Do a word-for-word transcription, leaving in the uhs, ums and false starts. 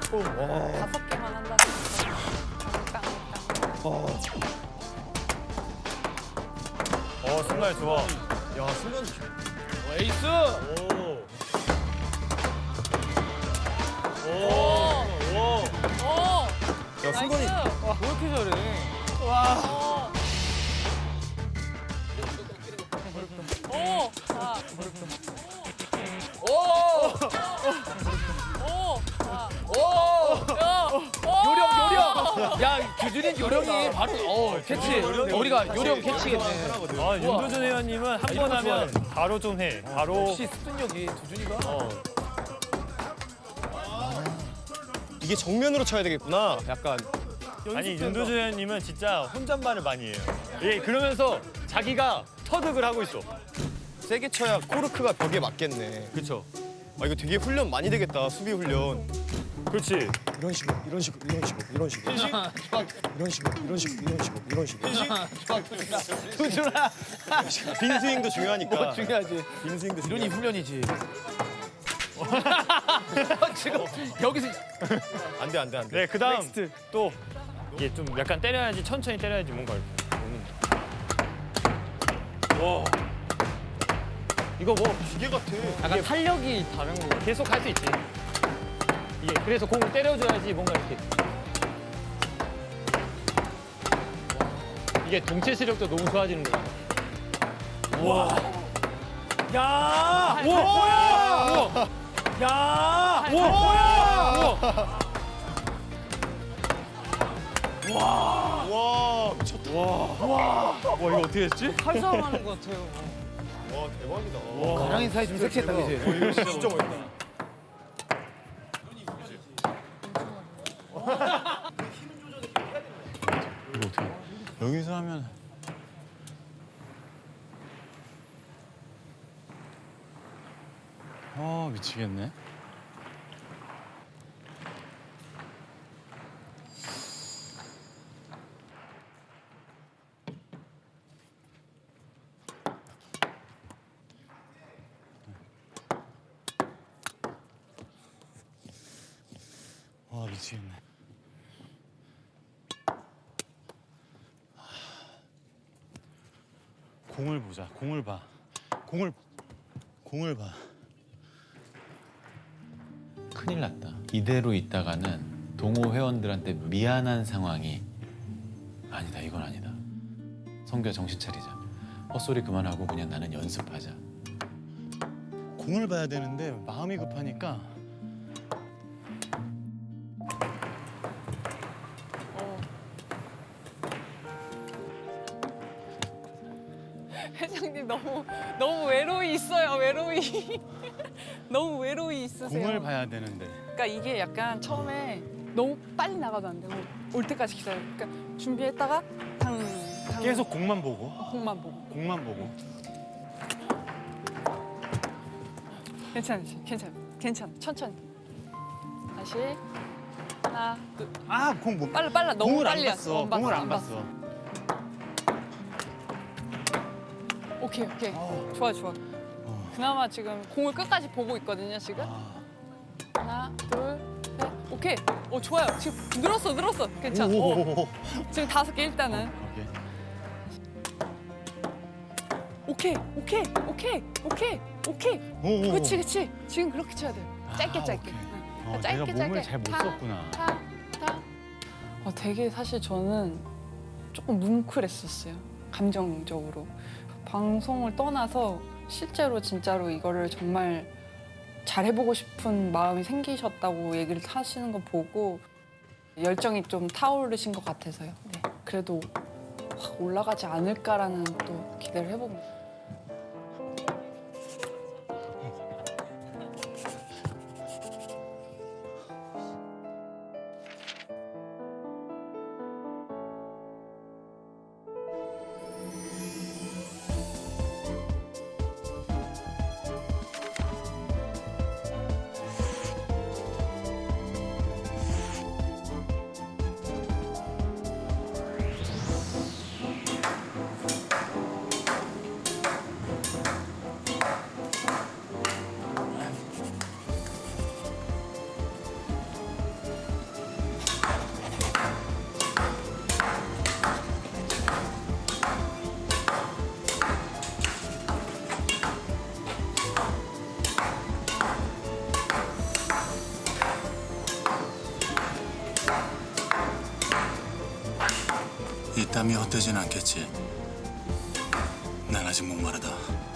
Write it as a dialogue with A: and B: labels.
A: 다섯 개만 한다. 깡, 깡.
B: 어,
C: 어 순간 좋아.
B: 야 순간.
D: 에이스!
C: 오. 오.
A: 오!
B: 야 순간이.
A: 나이스!
D: 와, 왜 이렇게 잘해?
A: 오! 오! 자.
D: 오!
A: 오! 자.
D: 오!
A: 야! 오!
D: 요령, 요령! 야, 규준이 요령이 바로, 어, 캐치. 우리가 요령 캐치겠네.
C: 아 윤도준 회원님은 한 번 하면 바로 좀 해. 바로.
D: 역시 습득력이 두준이가.
C: 어.
B: 이게 정면으로 쳐야 되겠구나. 약간.
C: 아니 윤도준 회원님은 진짜 혼잣말을 많이 해요. 예 그러면서 자기가 터득을 하고 있어.
B: 세게 쳐야 코르크가 벽에 맞겠네.
C: 그렇죠.
B: 아 이거 되게 훈련 많이 되겠다. 수비 훈련.
C: 그렇지.
B: 이런 식으로, 이런 식으로, 이런 식으로, 이런 식으로. 이런 식으로, 이런 식으로, 이런 식으로, 이런 식으로.
D: 두준아!
B: 빈 스윙도 중요하니까.
D: 뭐 중요하지.
B: 빈 스윙도
D: 이론이
B: 중요하니까.
D: 훈련이지. 지금 여기서
B: 안 돼, 안 돼, 안 돼.
C: 네 그다음
D: 넥스트.
C: 또 이게 좀 약간 때려야지 천천히 때려야지 뭔가 이렇게 오는. 와.
D: 이거 뭐
B: 기계 같아.
D: 약간 탄력이 다른 거. 계속 할 수 있지. 이게 그래서 공을 때려줘야지 뭔가 이렇게. 이게 동체 시력도 너무 좋아지는 거야.
C: 와.
D: 야!
A: 우와!
D: 뭐야! 야!
A: 우와!
D: 뭐야!
B: 와, 미쳤다.
C: 와 이거 어떻게 했지?
A: 칼싸움 하는 것 같아요.
B: 와, 대박이다.
C: 와.
D: 가랑이 사이 좀 섹시했다, 그지?
B: 이거 진짜 멋있다.
C: 이거 어떻게? 여기서 하면. 아 미치겠네. 와 미치겠네. 공을 보자. 공을 봐. 공을 공을 봐.
E: 큰일 났다. 이대로 있다가는 동호 회원들한테 미안한 상황이 아니다. 이건 아니다. 성규야 정신 차리자. 헛소리 그만하고 그냥 나는 연습하자.
C: 공을 봐야 되는데 마음이 급하니까.
A: 회장님 너무 너무 외로이 있어요. 외로이. 너무 외로이 있으세요.
C: 공을 봐야 되는데.
A: 그러니까 이게 약간 처음에 너무 빨리 나가도 안 되고 올 때까지 기다려. 그러니까 준비했다가 당, 당
C: 계속 공만 보고.
A: 공만 보고.
C: 공만 보고.
A: 괜찮아, 괜찮아, 괜찮아. 천천히. 다시 하나, 둘.
C: 아, 공 못.
A: 빨라, 빨라. 너무
C: 공을
A: 빨리
C: 안 봤어.
A: 안 봤어,
C: 공을
A: 안
C: 안
A: 봤어.
C: 봤어.
A: 오케이, 오케이.
C: 어.
A: 좋아, 좋아.
C: 어.
A: 그나마 지금 공을 끝까지 보고 있거든요, 지금.
C: 아.
A: 하나, 둘, 셋. 오케이. 오, 좋아요. 지금 늘었어, 늘었어. 괜찮아. 오,
C: 오.
A: 지금 다섯 개 일단은.
C: 오케이.
A: 오케이, 오케이, 오케이, 오케이, 오케이.
C: 오.
A: 그치, 그치. 지금 그렇게 쳐야 돼요. 짧게,
C: 아,
A: 짧게.
C: 오케이.
A: 응.
C: 어,
A: 짧게,
C: 내가 몸을
A: 짧게.
C: 잘 못
A: 타,
C: 썼구나.
A: 타, 타. 어, 되게 사실 저는 조금 뭉클했었어요. 감정적으로. 방송을 떠나서 실제로 진짜로 이거를 정말 잘해보고 싶은 마음이 생기셨다고 얘기를 하시는 거 보고 열정이 좀 타오르신 것 같아서요. 네. 그래도 확 올라가지 않을까라는 또 기대를 해봅니다.
F: 땀이 헛되진 않겠지. 난 아직 목마르다.